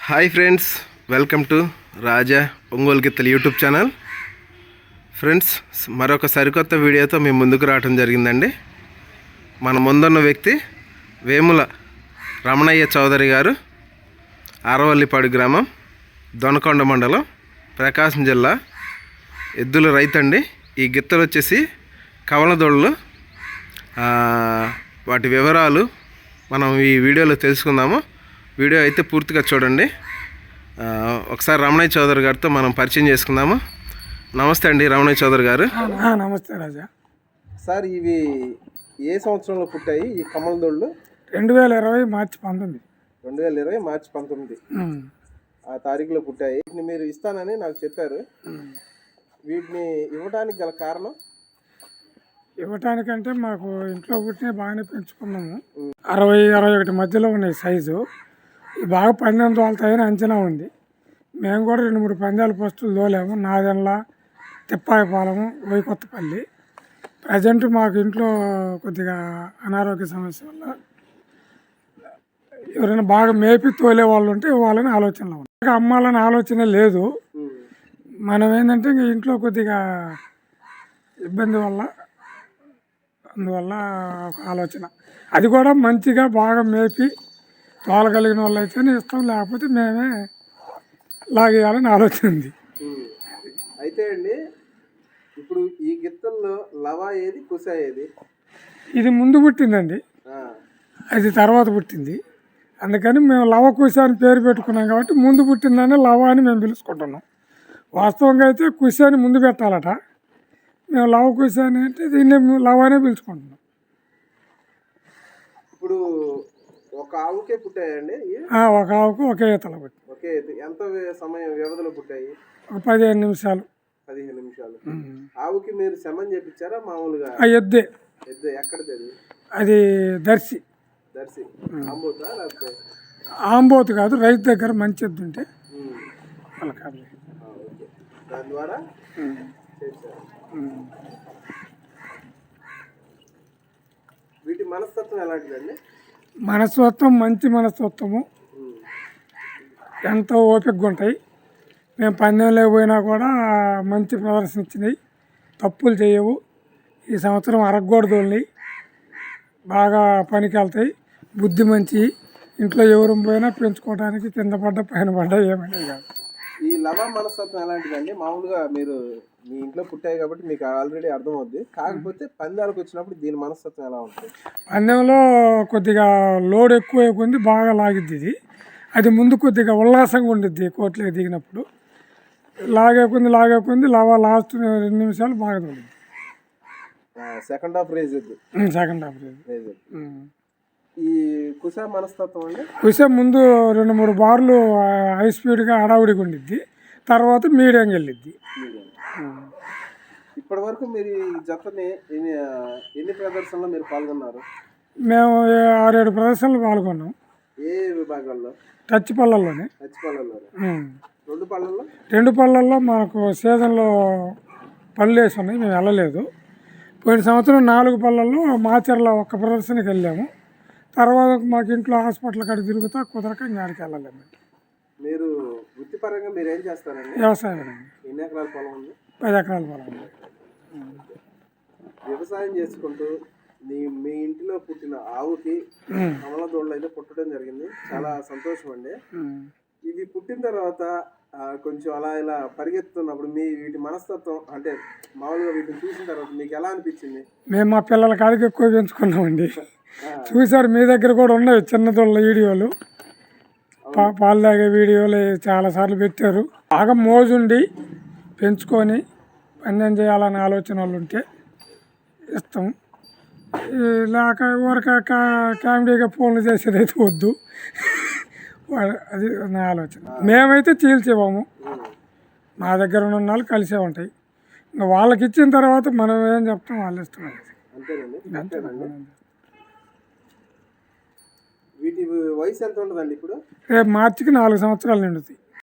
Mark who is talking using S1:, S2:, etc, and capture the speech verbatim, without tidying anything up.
S1: Hi friends, welcome to Raja Ongole గిత్తల YouTube channel. Friends, మరొక సరికొత్త వీడియోతో మేము ముందుకు రావడం జరిగిందండి. మన ముందున్న వ్యక్తి వేముల రమణయ్య చౌదరి గారు, ఆరవల్లిపాడు గ్రామం, దొనకొండ మండలం, ప్రకాశం జిల్లా. ఎద్దుల రైతండి. ఈ గిత్తలు వచ్చేసి కవలదొళ్ళు. వాటి వివరాలు మనం ఈ వీడియోలో తెలుసుకుందాము. వీడియో అయితే పూర్తిగా చూడండి. ఒకసారి రమణయ్య చౌదరి గారితో మనం పరిచయం చేసుకుందాము. నమస్తే అండి రమణయ్య చౌదరి గారు.
S2: నమస్తే రాజా.
S1: సార్, ఇవి ఏ సంవత్సరంలో పుట్టాయి ఈ కమలదొళ్ళు?
S2: రెండు వేల ఇరవై మార్చి పంతొమ్మిది
S1: రెండు వేల ఇరవై మార్చి పంతొమ్మిది ఆ తారీఖులో పుట్టాయి. వీటిని మీరు ఇస్తానని నాకు చెప్పారు. వీటిని ఇవ్వడానికి గల కారణం?
S2: ఇవ్వటానికంటే మాకు ఇంట్లో పుట్టిన బాగానే పెంచుకున్నాము. అరవై అరవై ఒకటి మధ్యలో ఉన్నాయి సైజు. బాగా పందెం తోలుతాయని అంచనా ఉంది. మేము కూడా రెండు మూడు పందాలు పోస్టులు తోలాము. నాదెన్ల, తిప్పాయపాలెము, వైకొత్తపల్లి. ప్రజెంట్ మాకు ఇంట్లో కొద్దిగా అనారోగ్య సమస్య వల్ల ఎవరైనా బాగా మేపి తోలే వాళ్ళు ఉంటే ఇవ్వాలని ఆలోచనలో ఉంది. అమ్మాలని ఆలోచన లేదు. మనం ఏంటంటే ఇంక ఇంట్లో కొద్దిగా ఇబ్బంది వల్ల అందువల్ల ఒక ఆలోచన. అది కూడా మంచిగా బాగా మేపి తోలగలిగిన వాళ్ళు అయితేనే ఇస్తాం, లేకపోతే మేమే లాగేయాలని ఆలోచన ఉంది.
S1: అయితే అండి, ఇప్పుడు ఈ గిత్తల్లో లవా ఏది, కుస ఏది?
S2: ఇది ముందు పుట్టిందండి, అది తర్వాత పుట్టింది. అందుకని మేము లవ కుస అని పేరు పెట్టుకున్నాం కాబట్టి ముందు పుట్టిందని లవ అని మేము పిలుచుకుంటున్నాం. వాస్తవంగా అయితే కుస అని ముందు పెట్టాలట. మేము లవ కుస అని అంటే దీన్ని లవ అనే పిలుచుకుంటున్నాం.
S1: ఇప్పుడు ఒక ఆవుకే పుట్టాయండి?
S2: ఒక ఆవుకు ఒకే ఈతల పుట్టి.
S1: ఒకే ఎంత సమయం వ్యవధిలో పుట్టాయి?
S2: ఒక పదిహేను నిమిషాలు
S1: పదిహేను నిమిషాలు ఆవుకి మీరు శమన్ చేపించారా మామూలుగా?
S2: ఎద్దే.
S1: ఎద్దే ఎక్కడిది అది?
S2: అది దర్శి.
S1: దర్శి ఆంబోతా లేకపోతే?
S2: ఆంబోతు కాదు, రైతు దగ్గర మంచి ఎద్దు ఉంటే వాళ్ళకి
S1: దాని ద్వారా వీటి మనస్తత్వం ఎలాంటిదండి?
S2: మనస్తత్వం మంచి మనస్తత్వము, ఎంతో ఓపికగా ఉంటాయి. మేము పందెంలో పోయినా కూడా మంచి ప్రదర్శన ఇచ్చినాయి, తప్పులు చేయవు. ఈ సంవత్సరం అరగకూడదు, బాగా పనికి వెళ్తాయి, బుద్ధి మంచి. ఇంట్లో ఎవరు పోయినా పెంచుకోవడానికి కింద పడ్డ పైన పడ్డ ఏమైనా కాదు.
S1: ఈ లవ మనస్తత్వం ఎలాంటిదండి? మామూలుగా మీరు మీ ఇంట్లో పుట్టాయి కాబట్టి మీకు ఆల్రెడీ అర్థమవుద్ది. కాకపోతే పందాలకు వచ్చినప్పుడు దీని మనస్తత్వం ఎలా ఉంటుంది?
S2: పందెంలో కొద్దిగా లోడ్ ఎక్కువ కొంది బాగా లాగిద్ది ఇది. అది ముందు కొద్దిగా ఉల్లాసంగా ఉండిద్ది కోట్లకి దిగినప్పుడు. లాగే కొంది లాగే కొంది లవ లాస్ట్ రెండు నిమిషాలు బాగా తోలింది.
S1: Second half rage
S2: second half rage.
S1: ఈ కుస మనస్తత్వం అండి?
S2: కుస ముందు రెండు మూడు బార్లు హై స్పీడ్గా హడావుడిగా ఉండిద్ది, తర్వాత మీడియంగా వెళ్ళిద్ది.
S1: ఇప్పటి వరకు మీరు ఈ జతని ఎన్ని ఎన్ని ప్రదర్శనలో మీరు పాల్గొన్నారు?
S2: మేము ఆరేడు ప్రదర్శనలు పాల్గొన్నాం.
S1: ఏ విభాగాల్లో?
S2: టచ్ పళ్ళల్లోనే.
S1: టచ్ పళ్ళల్లో రెండు పళ్ళల్లో
S2: రెండు పళ్ళల్లో మాకు సీజన్లో పళ్ళు వేసి ఉన్నాయి, మేము వెళ్ళలేదు. పోయిన సంవత్సరం నాలుగు పళ్ళల్లో మాచర్ల ఒక్క ప్రదర్శనకి వెళ్ళాము. తర్వాత మాకు ఇంట్లో హాస్పిటల్ కాడ తిరుగుతా కుదరక జ్ఞానికి వెళ్ళలేము.
S1: మీరు వృత్తిపరంగా మీరు ఏం చేస్తారండి?
S2: వ్యవసాయం.
S1: ఎన్ని ఎకరాల పొలం ఉంది?
S2: పది ఎకరాల పొలం ఉంది.
S1: వ్యవసాయం చేసుకుంటూ మీ మీ ఇంటిలో పుట్టిన ఆవుకి కమలదొళ్ళు అయితే పుట్టడం జరిగింది. చాలా సంతోషం అండి. ఇవి పుట్టిన తర్వాత కొంచెం అలా ఇలా పరిగెత్తుతున్నప్పుడు మీ వీటి మనస్తత్వం అంటే మామూలుగా వీటిని చూసిన తర్వాత మీకు ఎలా అనిపించింది?
S2: మేము మా పిల్లల కాడికి ఎక్కువ పెంచుకున్నామండి. చూసారు, మీ దగ్గర కూడా ఉన్నాయి చిన్నదొళ్ళ వీడియోలు, పా పాలు తాగే వీడియోలు చాలాసార్లు పెట్టారు. బాగా మోజుండి పెంచుకొని పందెం చేయాలనే ఆలోచన వాళ్ళు ఉంటే ఇస్తాం. లేక ఊరక కామెడీగా ఫోన్లు చేసేదైతే వద్దు. అది నా ఆలోచన. మేమైతే చీల్చేవాము, మా దగ్గర ఉన్న వాళ్ళు కలిసే ఉంటాయి. ఇంకా వాళ్ళకి ఇచ్చిన తర్వాత మనం ఏం చెప్తాం, వాళ్ళు ఇష్టం.
S1: అంతేనండి. వీటి వయసు ఎంత ఉంటుందండి ఇప్పుడు?
S2: రేపు మార్చికి నాలుగు సంవత్సరాలు నిండుతాయి.